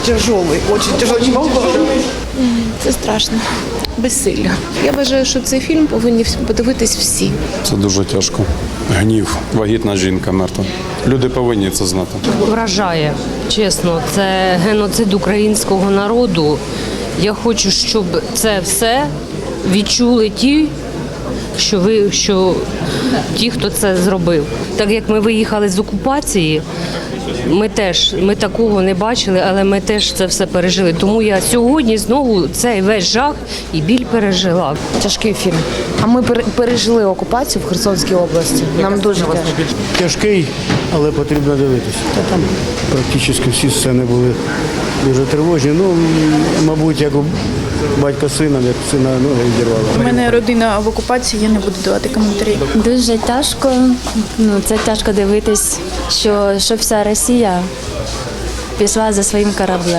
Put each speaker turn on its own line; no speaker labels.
Тяжелый, очень тяжелый.
Це страшно. Безсилля. Я вважаю, що цей фільм повинні подивитись всі.
Це дуже тяжко. Гнів, вагітна жінка мертва. Люди повинні це знати.
Вражає, чесно, це геноцид українського народу. Я хочу, щоб це все відчули ті, ті, хто це зробив. Так як ми виїхали з окупації, ми такого не бачили, але ми теж це все пережили. Тому я сьогодні знову цей весь жах і біль пережила.
Тяжкий фільм. А ми пережили окупацію в Херсонській області. Нам дуже тяжко.
Тяжкий, але потрібно дивитися. Та там практично всі сцени були дуже тривожні. Ну, мабуть, як у батька з сином, як сина ноги відірвало.
У мене родина в окупації, я не буду давати коментарі.
Дуже тяжко. Це тяжко дивитись, що вся Росія пішла за своїм кораблем.